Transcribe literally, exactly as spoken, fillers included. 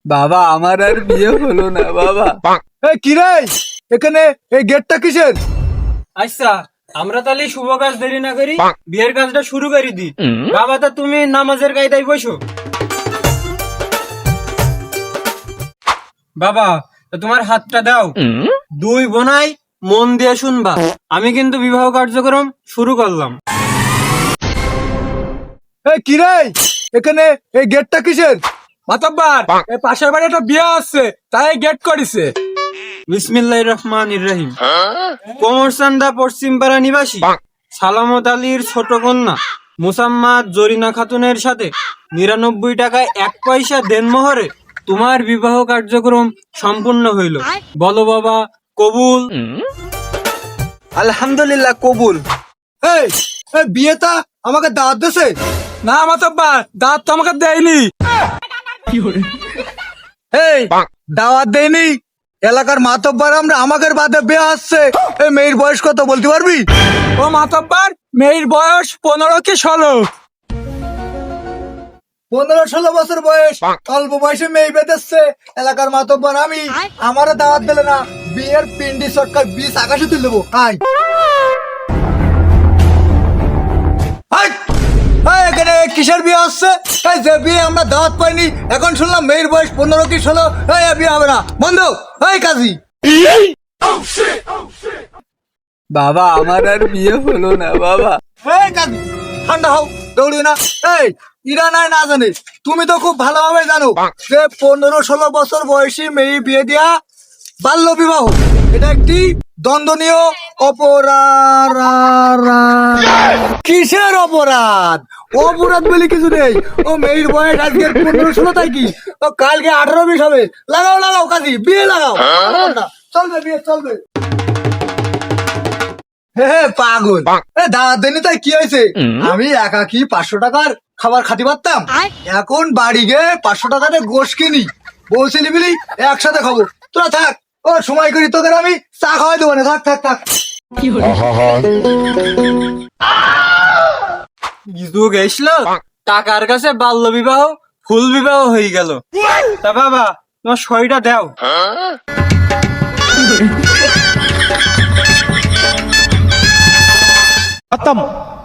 বাবা আমার আর বিয়ে হলো না বাবা। এই কি রে, এখানে এই গেটটা কিসের? আচ্ছা, আমরা তাহলে শুভ কাজ দেরি না করি, বিয়ের কাজটা শুরু করে দিই। বাবা, তা তুমি নামাজের কায়দায় বসো। বাবা, তা তোমার হাতটা দাও। দুই বোনাই মন দিয়ে শুনবা, আমি কিন্তু বিবাহ কার্যক্রম শুরু করলাম। এই কি রে, এখানে এই গেটটা কিসের? মাতব্বার, এই পাশের বাড়ি একটা বিয়ে আসছে, তাই গেট করিছে। বিসমিল্লাহির রহমানির রহিম। কোমরসান্দা পশ্চিম পাড়া নিবাসী সালামত আলীর ছোট কন্যা মুসাম্মাদ জরিনা খাতুনের সাথে নিরানব্বই টাকায় এক পয়সা দেনমোহরে তোমার বিবাহ কার্যক্রম সম্পূর্ণ হইল। বলো বাবা, কবুল? আলহামদুলিল্লাহ কবুল। এই এই বিয়েটা আমাকে দাওয়াত দিছে? না মাতব্বার, দাওয়াত তো আমাকে দেয়নি। এই দাওয়াত দেয়নি, এলাকার মাতব্বার আমরা, আমাদের বাদে বিয়ে আসছে। এই মেয়ের বয়স কত বলতে পারবি? ও মাতব্বার, মেয়ের বয়স পনেরো কি ষোলো। পনেরো ষোলো বছর বয়স, অল্প বয়সে মেয়ে বেঁধেছে এলাকার মাতব্বার আমি। আমারও দাওয়াত দিলে না, বিয়ের পিন্ডি সরকার বিষ আকাশে তুলে দেবো। আয় আয়, আয়, এখানে কিসের বিয়ে হচ্ছে? এই যে বিয়ে আমরা দাওয়াত পাইনি, এখন শুনলাম মেয়ের বয়স পনেরো কি ষোলো। এই বিয়ে হবে না, বন্ধ। এই কাজী, বাবা আমার আর বিয়ে হলো না বাবা। এই কাজী, ঠান্ডা হও, দৌড়িও না। এই ইরা নাই না জানে, তুমি তো খুব ভালোভাবে জানো যে পনেরো ষোলো বছর বয়সী মেয়ে বিয়ে দেয়া বাল্য বিবাহ, এটা একটি দণ্ডনীয় অপরাধ। কিসের অপরাধ? অপরাধ বলে কিছু নেই। ও মেয়ের বয়স আজকে পনেরো ষোলো, তাই কি ও কালকে আঠারো বিশ হবে। লাগাও লাগাও কাজী, বিয়ে লাগাও। চলবে বিয়ে, চলবে। হে হে, পাগল, এ দাওয়াত দেনি তাই কি হয়েছে? আমি একাকি পাঁচশো টাকার খাবার খাতে পারতাম, এখন বাড়ি গিয়ে পাঁচশো টাকাতে গোশ কিনি, বউ ছেলে মিলি একসাথে খাবো। তোরা থাক, ও সময় করি তোদের আমি চা খাওয়াই দেবো না। থাক থাক থাক। যুগ এসলো, টাকার কাছে বাল্য বিবাহ ফুল বিবাহ হয়ে গেল। তা বাবা, তোমার সইটা দাও। খতম।